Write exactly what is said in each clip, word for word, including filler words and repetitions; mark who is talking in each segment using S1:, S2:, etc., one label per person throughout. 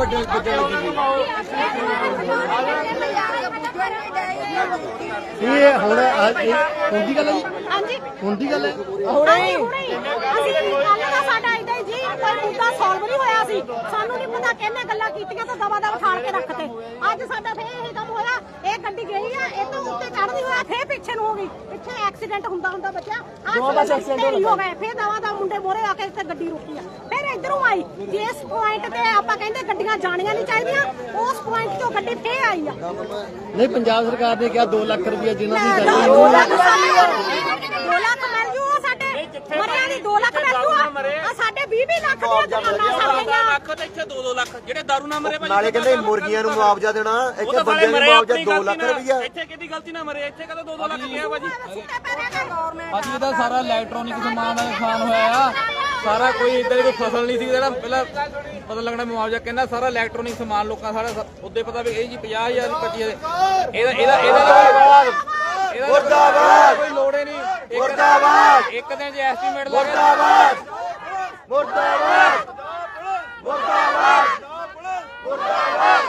S1: ਵੱਡੇ ਵੱਡੇ ਇਹ ਹੁਣ ਹੁੰਦੀ ਗੱਲ ਹੈ ਜੀ
S2: ਹਾਂਜੀ
S1: ਹੁੰਦੀ ਗੱਲ ਹੈ
S2: ਹੁਣੇ ਅਸੀਂ ਕੱਲ ਦਾ ਸਾਡਾ ਇਦਾਂ ਹੀ ਜੀ ਕੋਈ ਮੁੱਦਾ ਸੋਲਵ ਨਹੀਂ ਹੋਇਆ ਸੀ ਸਾਨੂੰ ਨਹੀਂ ਪਤਾ ਕਿਹਨੇ ਗੱਲਾਂ ਕੀਤੀਆਂ ਤਾਂ ਦਵਾ ਦਵਾ ਠਾਲ ਕੇ ਰੱਖਤੇ ਅੱਜ ਸਾਡਾ ਫੇਰ ਇਹ ਕੰਮ ਹੋਇਆ ਇਹ ਗੱਡੀ ਗਈ ਆ ਇਹ ਤੋਂ ਉੱਤੇ ਚੜ੍ਹਦੀ ਹੋਇਆ ਫੇਰ ਪਿੱਛੇ ਨੂੰ ਹੋ ਗਈ ਪਿੱਛੇ ਐਕਸੀਡੈਂਟ ਹੁੰਦਾ ਹੁੰਦਾ ਬੱਚਾ ਦੋ ਬਸ ਐਕਸੀਡੈਂਟ ਹੋ ਗਏ ਫੇਰ ਦਵਾ ਦਾ ਮੁੰਡੇ ਮੋਰੇ ਆ ਕੇ ਇੱਥੇ ਗੱਡੀ ਰੁਕੀ ਆ ਫੇਰ ਇਧਰੋਂ ਆਈ ਜਿਸ ਪੁਆਇੰਟ ਤੇ ਆਪਾਂ ਕਹਿੰਦੇ ਗੱਡੀਆਂ ਜਾਣੀਆਂ ਨਹੀਂ ਚਾਹੀਦੀਆਂ ਉਸ ਪੁਆਇੰਟ ਤੋਂ ਗੱਡੀ ਫੇਰ ਆਈ ਆ
S1: ਨਹੀਂ ਪੰਜਾਬ ਸਰਕਾਰ ਨੇ ਕਿਹਾ ਦੋ ਲੱਖ ਰੁਪਏ ਜਿਨ੍ਹਾਂ ਦੀ ਜਾਰੀ
S2: ਦੋ ਲੱਖ ਦੋ ਲੱਖ ਮਿਲ ਜੂ ਸਾਡੇ ਮਰਿਆਂ ਦੀ ਦੋ ਲੱਖ ਮਿਲ ਜੂ ਆ ਸਾਡੇ ਵੀਹ ਵੀਹ ਲੱਖ ਦੀਆਂ ਦੁਕਾਨਾਂ ਸਾਡੀਆਂ
S3: ਲੱਖ ਤੇ ਇੱਥੇ ਦੋ ਦੋ ਲੱਖ ਜਿਹੜੇ ਦਾਰੂ ਨਾ ਮਰੇ ਭਾਈ
S4: ਨਾਲੇ ਕਹਿੰਦੇ ਮੁਰਗੀਆਂ ਨੂੰ ਮੁਆਵਜ਼ਾ ਦੇਣਾ ਇੱਥੇ ਬੰਦਿਆਂ ਨੂੰ ਮੁਆਵਜ਼ਾ ਦੋ ਲੱਖ ਰੁਪਈਆ
S3: ਇੱਥੇ ਕਿਹਦੀ ਗਲਤੀ ਨਾਲ ਮਰੇ ਇੱਥੇ ਕਦੋਂ ਦੋ ਦੋ ਲੱਖ ਗਿਆ ਭਾਜੀ
S5: ਅੱਜ ਇਹਦਾ ਸਾਰਾ ਇਲੈਕਟ੍ਰੋਨਿਕ ਸਮਾਨ ਦਾ ਨੁਕਸਾਨ ਹੋਇਆ ਆ ਸਾਰਾ ਕੋਈ ਇਦਾਂ ਦੀ ਕੋਈ ਫਸਲ ਨਹੀਂ ਸੀ ਜਿਹੜਾ ਪਹਿਲਾਂ ਪਤਾ ਲੱਗਣਾ ਮੁਆਵਜ਼ਾ ਕਹਿੰਦਾ ਸਾਰਾ ਇਲੈਕਟ੍ਰੋਨਿਕ ਸਮਾਨ ਲੋਕਾਂ ਸਾਰਾ ਉੱਦੇ ਪਤਾ ਵੀ ਇਹ ਜੀ ਪੰਜਾਹ ਹਜ਼ਾਰ ਪੱਚੀ ਇਹਦਾ ਇਹਦਾ ਇਹਦਾ
S4: ਮੁਰਦਾਬਾਦ
S5: ਕੋਈ ਲੋੜ ਹੀ ਨਹੀਂ
S4: ਮੁਰਦਾਬਾਦ
S5: ਇੱਕ ਦਿਨ ਜੇ ਐਸਟੀਮੇਟ ਲੱਗੇ
S4: ਮੁਰਦਾਬਾਦ ਮੁਰਦਾਬਾਦ ਮੁਰਦਾਬਾਦ ਮੁਰਦਾਬਾਦ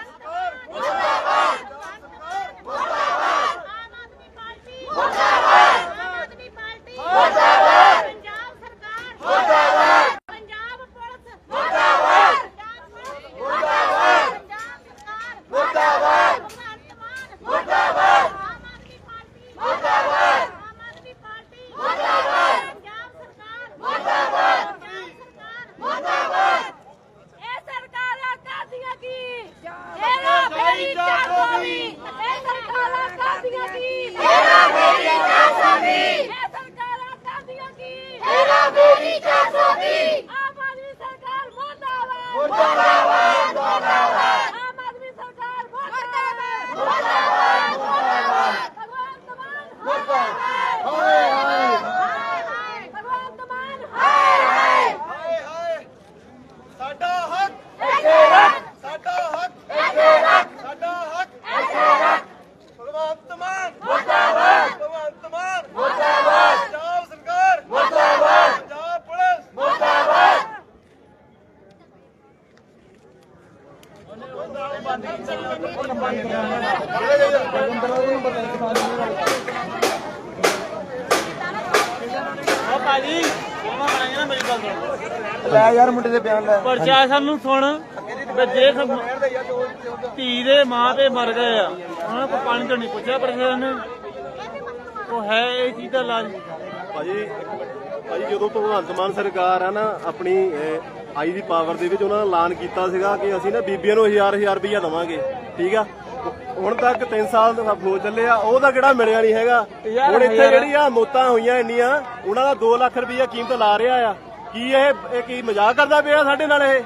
S4: ਲੈ ਯਾਰ ਮੁੰਡੇ ਦੇ ਬਿਆਨ ਲੈ
S3: ਪ੍ਰਸ਼ਾਸਨ ਨੂੰ ਸੁਣ ਵੀ ਜੇ ਧੀ ਦੇ ਮਾਂ ਤੇ ਮਰ ਗਏ ਆ ਉਹਨਾਂ ਕੋਲ ਪਾਣੀ ਤੋਂ ਨਹੀਂ ਪੁੱਛਿਆ ਪ੍ਰਸ਼ਾਸਨ ਨੇ ਉਹ ਹੈ ਇਹ ਚੀਜ਼ ਦਾ ਇਲਾਜ
S4: ਭਾਜੀ ਭਾਜੀ ਜਦੋਂ ਭਗਵੰਤ ਮਾਨ ਸਰਕਾਰ ਆ ਨਾ ਆਪਣੀ ਆਈ ਦੀ ਪਾਵਰ ਦੇ ਵਿੱਚ ਉਹਨਾਂ ਨੇ ਐਲਾਨ ਕੀਤਾ ਸੀਗਾ ਕਿ ਅਸੀਂ ਨਾ ਬੀਬੀਆਂ ਨੂੰ ਹਜ਼ਾਰ ਹਜ਼ਾਰ ਰੁਪਈਆ ਦੇਵਾਂਗੇ ਠੀਕ ਆ ਹੁਣ ਤੱਕ ਤਿੰਨ ਸਾਲ ਦਾ ਹੋ ਚੱਲੇ ਆ ਉਹਦਾ ਕਿਹੜਾ ਮਿਲਿਆ ਨਹੀਂ ਹੈਗਾ ਹੁਣ ਇੱਥੇ ਜਿਹੜੀ ਆ ਮੌਤਾਂ ਹੋਈਆਂ ਇੰਨੀਆਂ ਉਹਨਾਂ ਦਾ ਦੋ ਲੱਖ ਰੁਪਈਆ ਕੀਮਤ ਲਾ ਰਿਹਾ ਆ ਕੀ ਇਹ ਇਹ ਕੀ ਮਜ਼ਾਕ ਕਰਦਾ ਪਿਆ ਸਾਡੇ ਨਾਲ ਇਹ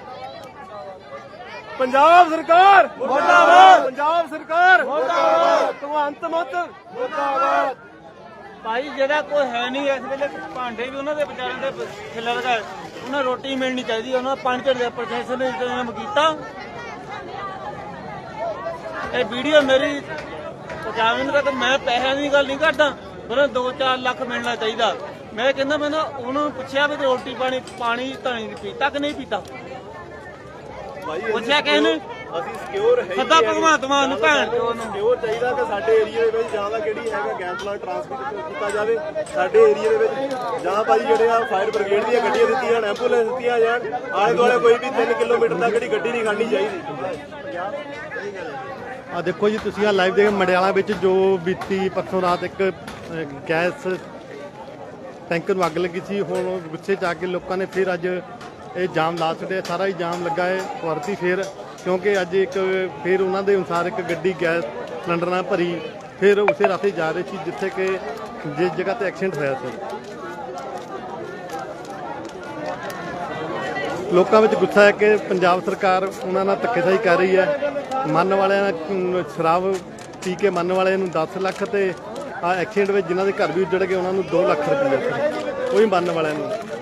S4: ਪੰਜਾਬ ਸਰਕਾਰ ਮੁਰਦਾਬਾਦ ਪੰਜਾਬ ਸਰਕਾਰ ਮੁਰਦਾਬਾਦ ਭਗਵੰਤ ਮਾਨ ਮੁਰਦਾਬਾਦ
S3: ਭਾਈ ਜਿਹੜਾ ਕੋਈ ਹੈ ਨਹੀਂ ਇਸ ਵੇਲੇ ਭਾਂਡੇ ਵੀ ਉਹਨਾਂ ਦੇ ਵਿਚਾਰਿਆਂ ਦੇ ਖਿਲਰ ਗਏ ਉਹਨਾਂ ਰੋਟੀ ਮਿਲਣੀ ਚਾਹੀਦੀ ਉਹਨਾਂ ਪੰਜ ਝੜ ਦੇ ਪ੍ਰਸ਼ਾਸਨ ਨੇ ਇੰਤਜ਼ਾਮ ਕੀਤਾ ਇਹ ਵੀਡੀਓ ਮੇਰੀ ਪਹੁੰਚਾਉਣ ਦਾ ਮੈਂ ਪੈਸਿਆਂ ਦੀ ਗੱਲ ਨਹੀਂ ਕਰਦਾ ਉਹਨਾਂ ਦੋ ਚਾਰ ਲੱਖ ਮਿਲਣਾ ਚਾਹੀਦਾ ਮੈਂ ਕਹਿੰਦਾ ਮੈਂ ਨਾ ਉਹਨੂੰ ਪੁੱਛਿਆ ਵੀ ਰੋਟੀ ਪਾਣੀ ਪਾਣੀ ਤਾਂ ਨਹੀਂ ਪੀਤਾ ਕਿ ਨਹੀਂ ਪੀਤਾ ਪੁੱਛਿਆ ਕਿਸੇ ਨੇ
S4: ਅਸੀਂ ਸਿਕਿਉਰ ਹੈ
S3: ਸਦਾ ਭਗਵੰਤ ਮਾਨ ਨੂੰ ਭੈਣ ਚੋਦ ਨੂੰ
S4: ਸਿਕਿਉਰ ਚਾਹੀਦਾ ਕਿ ਸਾਡੇ ਏਰੀਆ ਦੇ ਵਿੱਚ ਜਾਂ ਤਾਂ ਕਿਹੜੀ ਹੈਗਾ ਗੈਸ ਪਲਾਂਟ ਟਰਾਂਸਮਿਟ ਕੀਤਾ ਜਾਵੇ ਸਾਡੇ ਏਰੀਆ ਦੇ ਵਿੱਚ ਜਾਂ ਭਾਜੀ ਜਿਹੜੇ ਆ ਫਾਇਰ ਬ੍ਰਿਗੇਡ ਦੀਆਂ ਗੱਡੀਆਂ ਦਿੱਤੀਆਂ ਜਾਣ ਐਂਬੂਲੈਂਸ ਦਿੱਤੀਆਂ ਜਾਣ ਆਲੇ ਦੁਆਲੇ ਕੋਈ ਵੀ ਤਿੰਨ ਕਿਲੋਮੀਟਰ ਤੱਕ ਜਿਹੜੀ ਗੱਡੀ ਨਹੀਂ ਖੜਨੀ ਚਾਹੀਦੀ
S1: ਆ ਦੇਖੋ ਜੀ ਤੁਸੀਂ ਆ ਲਾਈਵ ਦੇ ਮੰਡਿਆਲਾ ਵਿੱਚ ਜੋ ਬੀਤੀ ਪਰਸੋਂ ਰਾਤ ਇੱਕ ਗੈਸ ਟੈਂਕਰ ਨੂੰ ਅੱਗ ਲੱਗੀ ਸੀ ਹੁਣ ਗੁੱਸੇ 'ਚ ਆ ਕੇ ਲੋਕਾਂ ਨੇ ਫਿਰ ਅੱਜ ਇਹ ਜਾਮ ਲਾ ਛੱਡਿਆ ਸਾਰਾ ਹੀ ਜਾਮ ਲੱਗਾ ਹੈ ਵਰਤੀ ਫਿਰ ਕਿਉਂਕਿ ਅੱਜ ਇੱਕ ਫਿਰ ਉਹਨਾਂ ਦੇ ਅਨੁਸਾਰ ਇੱਕ ਗੱਡੀ ਗੈਸ ਸਿਲੰਡਰ ਨਾਲ ਭਰੀ ਫਿਰ ਉਸੇ ਰਾਤੇ ਜਾ ਰਹੀ ਸੀ ਜਿੱਥੇ ਕਿ ਜਿਸ ਜਗ੍ਹਾ ਤੇ ਐਕਸੀਡੈਂਟ ਹੋਇਆ ਸੀ ਲੋਕਾਂ ਵਿੱਚ ਗੁੱਸਾ ਹੈ ਕਿ ਪੰਜਾਬ ਸਰਕਾਰ ਉਹਨਾਂ ਨਾਲ ਧੱਕੇਸ਼ਾਹੀ ਕਰ ਰਹੀ ਹੈ ਮੰਨ ਵਾਲਿਆਂ ਨਾਲ ਸ਼ਰਾਬ ਪੀ ਕੇ ਮੰਨ ਵਾਲਿਆਂ ਨੂੰ ਦਸ ਲੱਖ ਤੇ ਆ ਐਕਸੀਡੈਂਟ ਵਿੱਚ ਜਿਨ੍ਹਾਂ ਦੇ ਘਰ ਵੀ ਉੱਜੜ ਗਏ ਉਹਨਾਂ ਨੂੰ ਦੋ ਲੱਖ ਰੁਪਏ ਕੋਈ ਮੰਨ ਵਾਲਿਆਂ ਨੂੰ